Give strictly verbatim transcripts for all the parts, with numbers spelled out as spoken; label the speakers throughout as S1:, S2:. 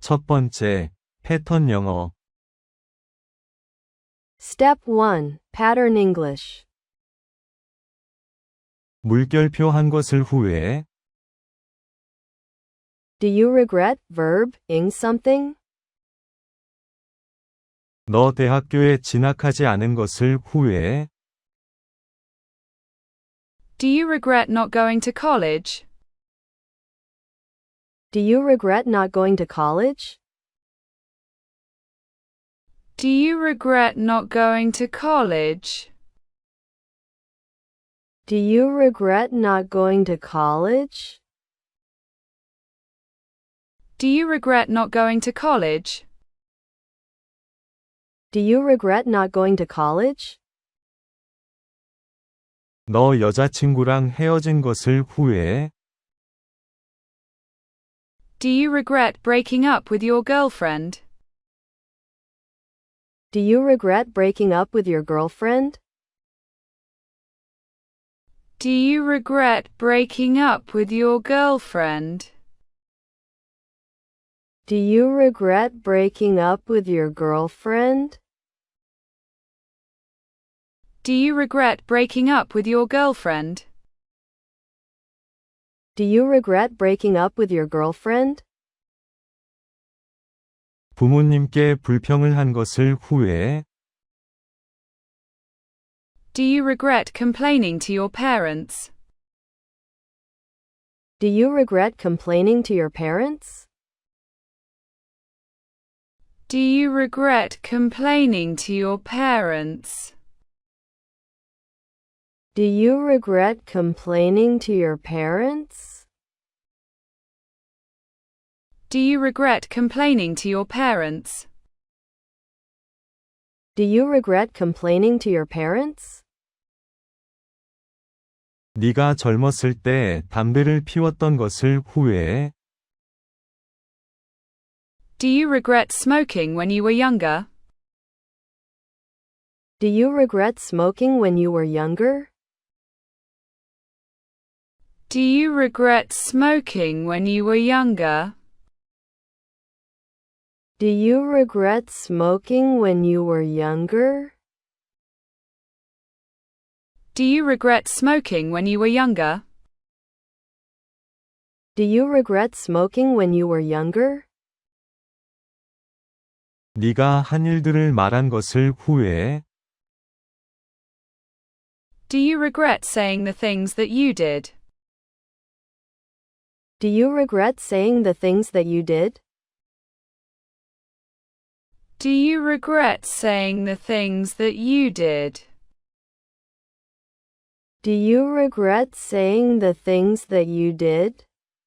S1: 첫 번째, 패턴 영어.
S2: Step one. Pattern English.
S1: 물결표 한 것을 후회해?
S2: Do you regret verb ing something?
S1: 너 대학교에 진학하지 않은 것을 후회해?
S3: Do you regret not going to college?
S2: Do you regret not going to college?
S3: Do you regret not going to college?
S2: Do you regret not going to college?
S3: Do you regret not going to college?
S2: Do you regret not going to college?
S1: 너 여자친구랑 헤어진 것을 후회해?
S3: Do you regret breaking up with your girlfriend?
S2: Do you regret breaking up with your girlfriend?
S3: Do you regret breaking up with your girlfriend?
S2: Do you regret breaking up with your girlfriend?
S3: Do you regret breaking up with your girlfriend?
S2: Do you regret breaking up with your girlfriend?
S1: 부모님께 불평을 한 것을 후회해?
S3: Do you regret complaining to your parents?
S2: Do you regret complaining to your parents?
S3: Do you regret complaining to your parents?
S2: Do you regret complaining to your parents?
S3: Do you regret complaining to your parents?
S2: Do you regret complaining to your parents?
S1: 네가 젊었을 때 담배를 피웠던 것을 후회해?
S3: Do you regret smoking when you were younger?
S2: Do you regret smoking when you were younger?
S3: Do you regret smoking when you were younger?
S2: Do you regret smoking when you were younger?
S3: Do you regret smoking when you were younger?
S2: Do you regret smoking when you were younger?
S1: 네가 한 일들을 말한 것을 후회해?
S3: Do you regret saying the things that you did?
S2: Do you regret saying the things that you did?
S3: Do you regret saying the things that you did?
S2: Do you regret saying the things that you did?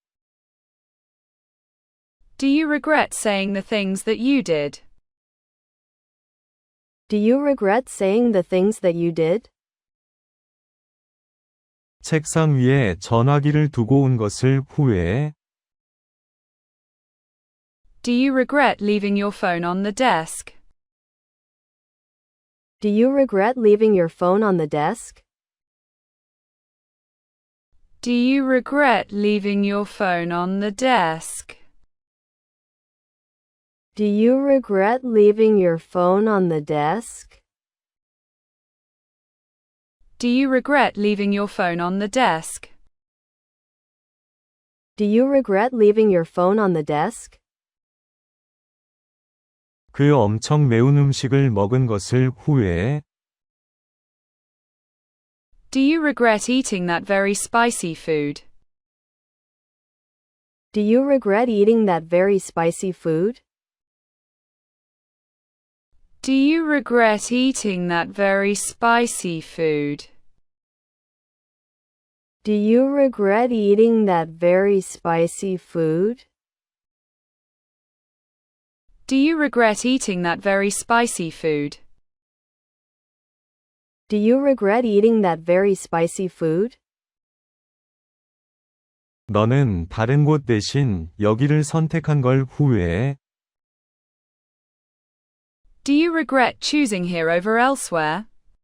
S3: Do you regret saying the things that you did?
S2: Do you regret saying the things that you did?
S1: 책상 위에 전화기를 두고 온 것을 후회해?
S3: Do you regret leaving your phone on the desk?
S2: Do you regret leaving your phone on the desk?
S3: Do you regret leaving your phone on the desk?
S2: Do you regret leaving your phone on the desk?
S3: Do you regret leaving your phone on the desk?
S2: Do you regret leaving your phone on the desk?
S1: 그 엄청 매운 음식을 먹은 것을 후회해?
S3: Do you regret eating that very spicy food?
S2: Do you regret eating that very spicy food?
S3: Do you regret eating that very spicy food?
S2: Do you regret eating that very spicy food?
S3: Do you regret eating that very spicy food?
S2: Do you regret eating that very spicy food?
S1: 너는 다른 곳 대신 여기를 선택한 걸 후회해?
S3: Do you regret choosing here over elsewhere?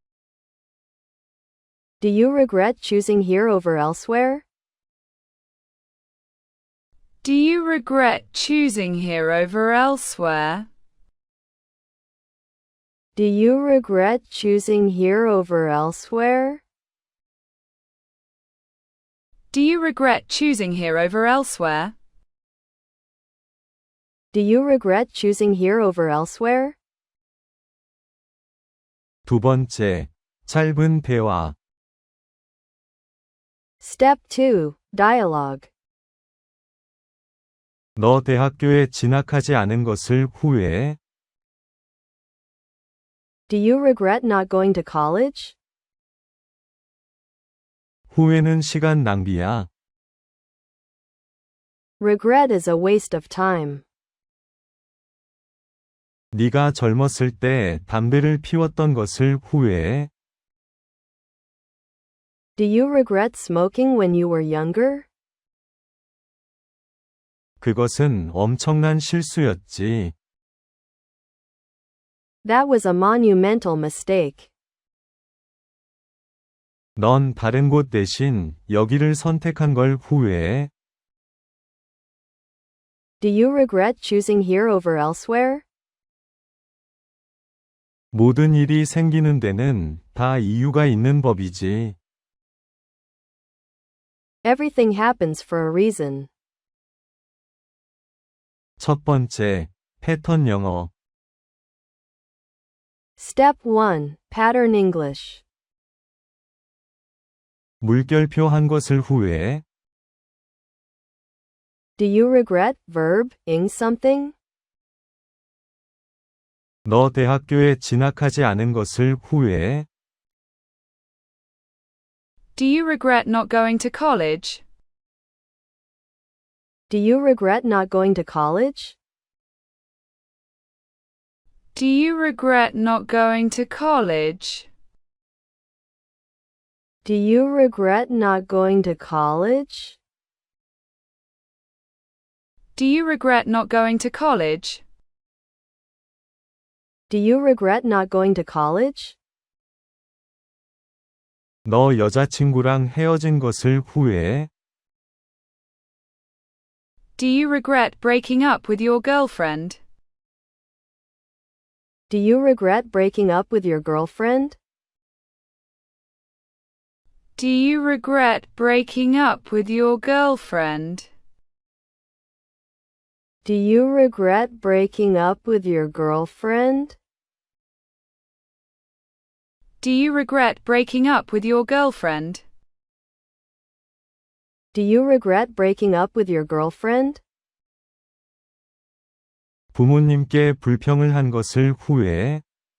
S2: Do you regret choosing here over elsewhere?
S3: Do you regret choosing here over elsewhere?
S2: Do you regret choosing here over elsewhere?
S3: Do you regret choosing here over elsewhere?
S2: Do you regret choosing here over elsewhere?
S1: 두 번째, 짧은 대화.
S2: Step two. Dialogue.
S1: 너 대학교에 진학하지 않은 것을 후회해?
S2: Do you regret not going to college?
S1: 후회는 시간 낭비야.
S2: Regret is a waste of time.
S1: 네가 젊었을 때 담배를 피웠던 것을 후회해?
S2: Do you regret smoking when you were younger?
S1: 그것은 엄청난 실수였지.
S2: That was a monumental mistake.
S1: 넌 다른 곳 대신 여기를 선택한 걸 후회해?
S2: Do you regret choosing here over elsewhere?
S1: 모든 일이 생기는 데는 다 이유가 있는 법이지.
S2: Everything happens for a reason.
S1: 첫 번째, 패턴 영어.
S2: Step one. Pattern English.
S1: 물결표 한 것을 후회해?
S2: Do you regret verb ing something?
S1: 너 대학교에 진학하지 않은 것을 후회해?
S3: Do you regret not going to college?
S2: Do you regret not going to college?
S3: Do you regret not going to college?
S2: Do you regret not going to college?
S3: Do you regret not going to college?
S2: Do you regret not going to college?
S1: 너 여자친구랑 헤어진 것을 후회해?
S3: Do you regret breaking up with your girlfriend?
S2: Do you regret breaking up with your girlfriend?
S3: Do you regret breaking up with your girlfriend?
S2: Do you regret breaking up with your girlfriend?
S3: Do you regret breaking up with your girlfriend?
S2: Do you regret breaking up with your girlfriend?
S1: 부모님께 불평을 한 것을 후회해?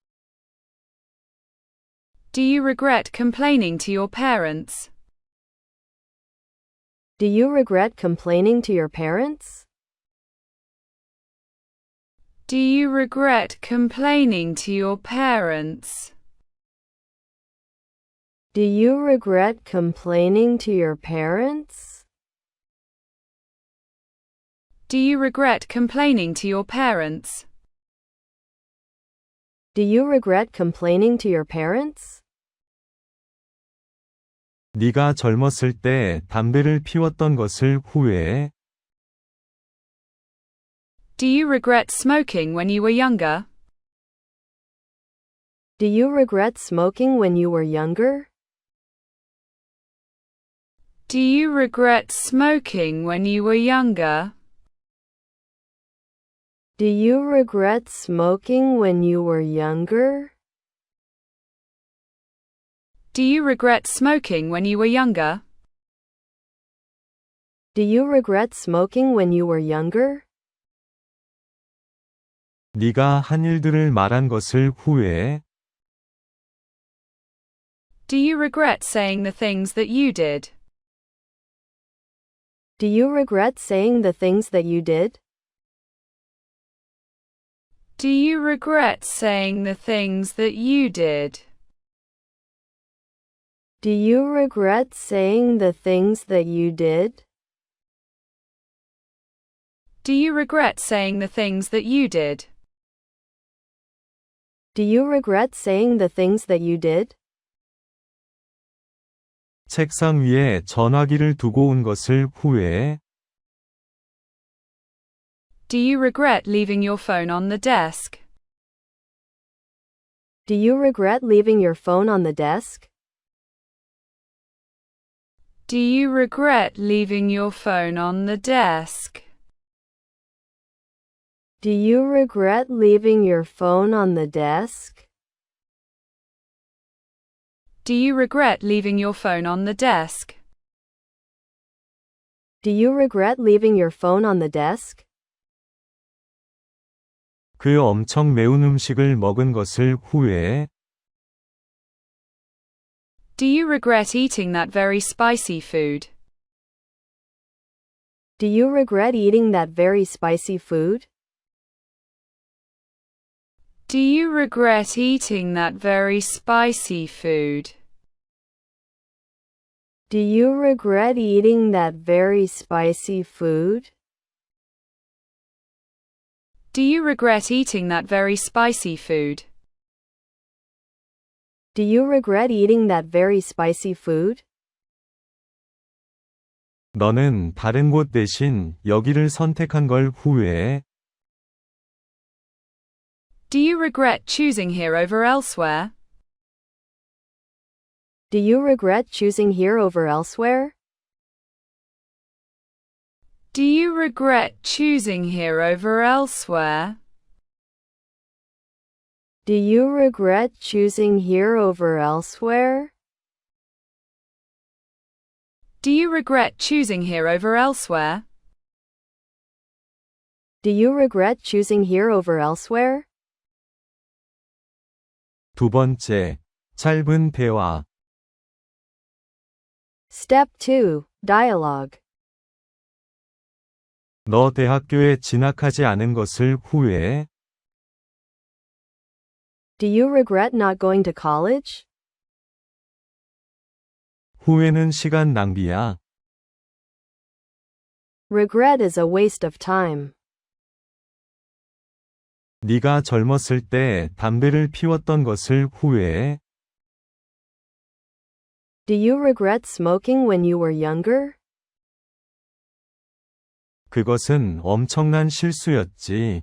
S3: Do you regret complaining to your parents?
S2: Do you regret complaining to your parents?
S3: Do you regret complaining to your parents?
S2: Do you regret complaining to your parents?
S3: Do you regret complaining to your parents?
S2: Do you regret complaining to your parents?
S1: 네가 젊었을 때 담배를 피웠던 것을 후회해?
S3: Do you regret smoking when you were younger?
S2: Do you regret smoking when you were younger?
S3: Do you regret smoking when you were younger?
S2: Do you regret smoking when you were younger?
S3: Do you regret smoking when you were younger?
S2: Do you regret smoking when you were younger?
S1: 네가 한 일들을 말한 것을 후회해?
S3: Do you regret saying the things that you did?
S2: Do you regret saying the things that you did?
S3: Do you regret saying the things that you did?
S2: Do you regret saying the things that you did?
S3: Do you regret saying the things that you did?
S2: Do you regret saying the things that you did?
S1: 책상 위에 전화기를 두고 온 것을 후회해?
S3: Do you regret leaving your phone on the desk?
S2: Do you regret leaving your phone on the desk?
S3: Do you regret leaving your phone on the desk?
S2: Do you regret leaving your phone on the desk?
S3: Do you regret leaving your phone on the desk?
S2: Do you regret leaving your phone on the desk?
S1: 그 엄청 매운 음식을 먹은 것을 후회해?
S3: Do you regret eating that very spicy food?
S2: Do you regret eating that very spicy food?
S3: Do you regret eating that very spicy food?
S2: Do you regret eating that very spicy food?
S3: Do you regret eating that very spicy food?
S2: Do you regret eating that very spicy food?
S1: 너는 다른 곳 대신 여기를 선택한 걸 후회해?
S3: Do you regret choosing here over elsewhere?
S2: Do you regret choosing here over elsewhere?
S3: Do you regret choosing here over elsewhere?
S2: Do you regret choosing here over elsewhere?
S3: Do you regret choosing here over elsewhere?
S2: Do you regret choosing here over elsewhere?
S1: 두 번째, 짧은 대화.
S2: Step two. Dialogue.
S1: 너 대학교에 진학하지 않은 것을 후회해?
S2: Do you regret not going to college?
S1: 후회는 시간 낭비야.
S2: Regret is a waste of time.
S1: 네가 젊었을 때 담배를 피웠던 것을 후회해?
S2: Do you regret smoking when you were younger?
S1: 그것은 엄청난 실수였지.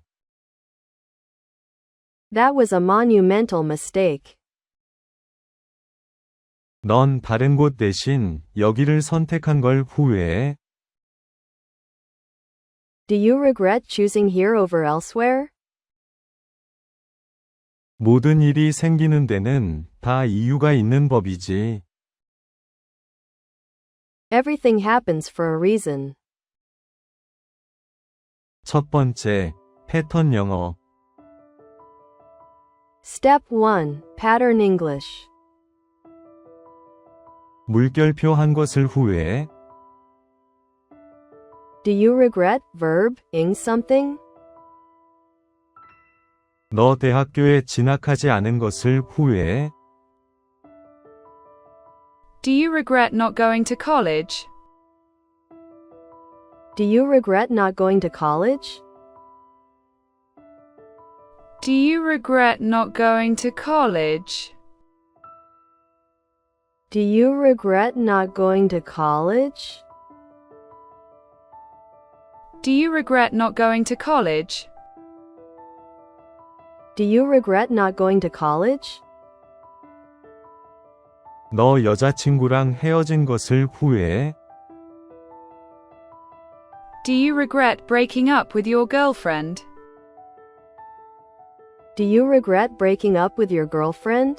S2: That was a monumental mistake.
S1: 넌 다른 곳 대신 여기를 선택한 걸 후회해?
S2: Do you regret choosing here over elsewhere?
S1: 모든 일이 생기는 데는 다 이유가 있는 법이지.
S2: Everything happens for a reason.
S1: 첫 번째, 패턴 영어.
S2: Step one. Pattern English.
S1: 물결표 한 것을 후회해?
S2: Do you regret verb ing something?
S1: 너 대학교에 진학하지 않은 것을 후회해?
S3: Do you regret not going to college?
S2: Do you regret not going to college?
S3: Do you regret not going to college?
S2: Do you regret not going to college?
S3: Do you regret not going to college?
S2: Do you regret not going to college?
S1: 너 여자친구랑 헤어진 것을 후회해?
S3: Do you regret breaking up with your girlfriend?
S2: Do you regret breaking up with your girlfriend?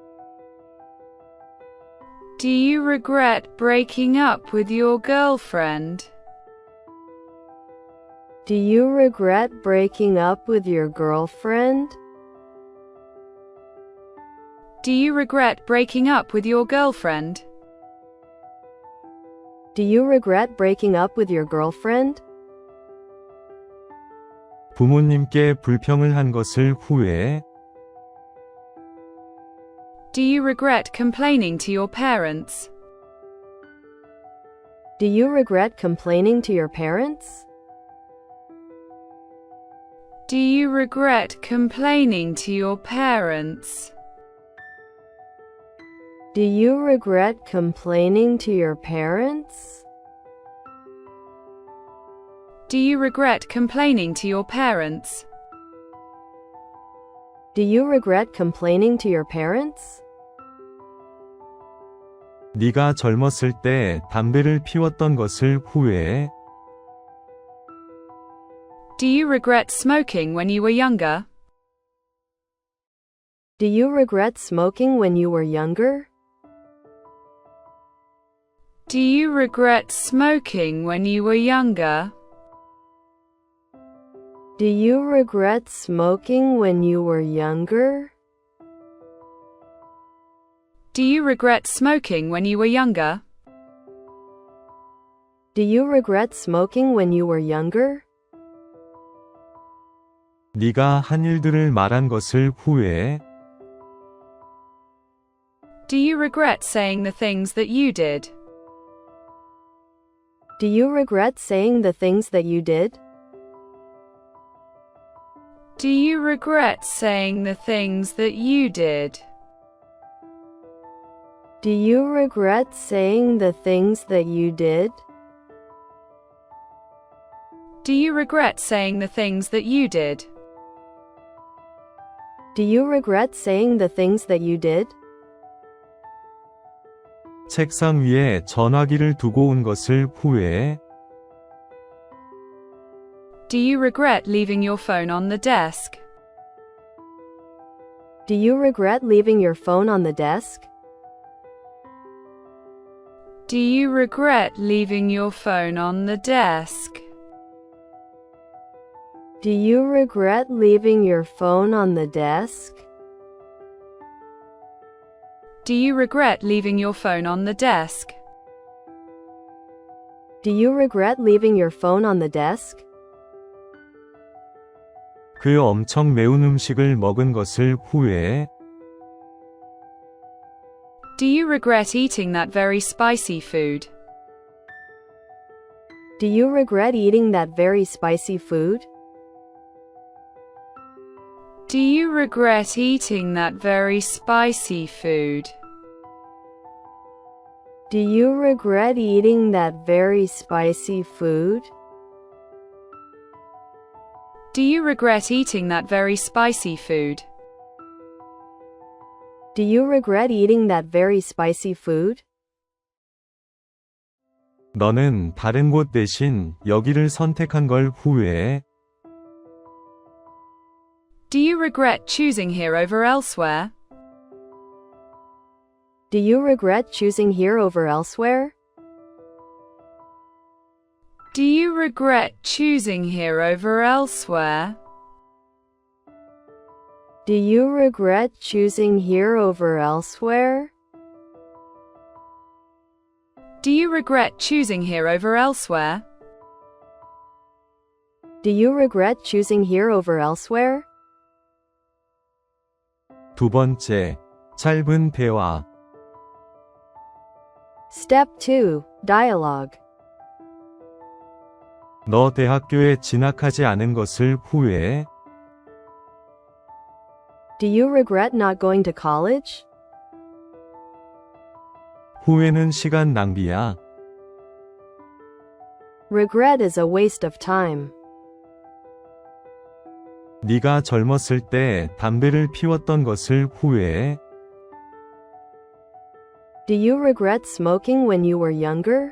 S3: Do you regret breaking up with your girlfriend?
S2: Do you regret breaking up with your girlfriend?
S3: Do you regret breaking up with your girlfriend?
S2: Do you regret breaking up with your girlfriend?
S1: 부모님께 불평을 한 것을 후회해?
S3: Do you regret complaining to your parents?
S2: Do you regret complaining to your parents?
S3: Do you regret complaining to your parents?
S2: Do you regret complaining to your parents?
S3: Do you regret complaining to your parents?
S2: Do you regret complaining to your parents?
S1: 네가 젊었을 때 담배를 피웠던 것을 후회해?
S3: Do you regret smoking when you were younger?
S2: Do you regret smoking when you were younger?
S3: Do you regret smoking when you were younger?
S2: Do you regret smoking when you were younger?
S3: Do you regret smoking when you were younger?
S2: Do you regret smoking when you were younger?
S1: 네가 한 일들을 말한 것을 후회해?
S3: Do you regret saying the things that you did?
S2: Do you regret saying the things that you did?
S3: Do you regret saying the things that you did?
S2: Do you regret saying the things that you did?
S3: Do you regret saying the things that you did?
S2: Do you regret saying the things that you did?
S1: 책상 위에 전화기를 두고 온 것을 후회해?
S3: Do you regret leaving your phone on the desk?
S2: Do you regret leaving your phone on the desk?
S3: Do you regret leaving your phone on the desk?
S2: Do you regret leaving your phone on the desk?
S3: Do you regret leaving your phone on the desk?
S2: Do you regret leaving your phone on the desk?
S1: 그 엄청 매운 음식을 먹은 것을 후회해?
S3: Do you regret eating that very spicy food?
S2: Do you regret eating that very spicy food?
S3: Do you regret eating that very spicy food?
S2: Do you regret eating that very spicy food?
S3: Do you regret eating that very spicy food?
S2: Do you regret eating that very spicy food?
S1: 너는 다른 곳 대신 여기를 선택한 걸 후회해?
S3: Do you regret choosing here over elsewhere?
S2: Do you regret choosing here over elsewhere?
S3: Do you regret choosing here over elsewhere?
S2: Do you regret choosing here over elsewhere?
S3: Do you regret choosing here over elsewhere?
S2: Do you regret choosing here over elsewhere?
S1: 두 번째, 짧은 대화.
S2: Step two. Dialogue.
S1: 너 대학교에 진학하지 않은 것을 후회해?
S2: Do you regret not going to college?
S1: 후회는 시간 낭비야.
S2: Regret is a waste of time.
S1: 네가 젊었을 때 담배를 피웠던 것을 후회해?
S2: Do you regret smoking when you were younger?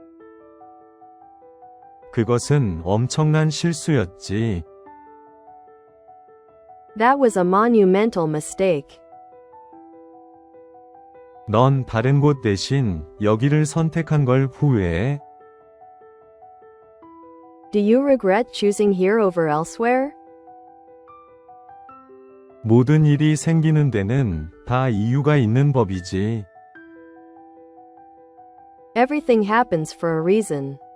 S1: 그것은 엄청난 실수였지.
S2: That was a monumental mistake.
S1: 넌 다른 곳 대신 여기를 선택한 걸 후회해?
S2: Do you regret choosing here over elsewhere?
S1: 모든 일이 생기는 데는 다 이유가 있는 법이지.
S2: Everything happens for a reason.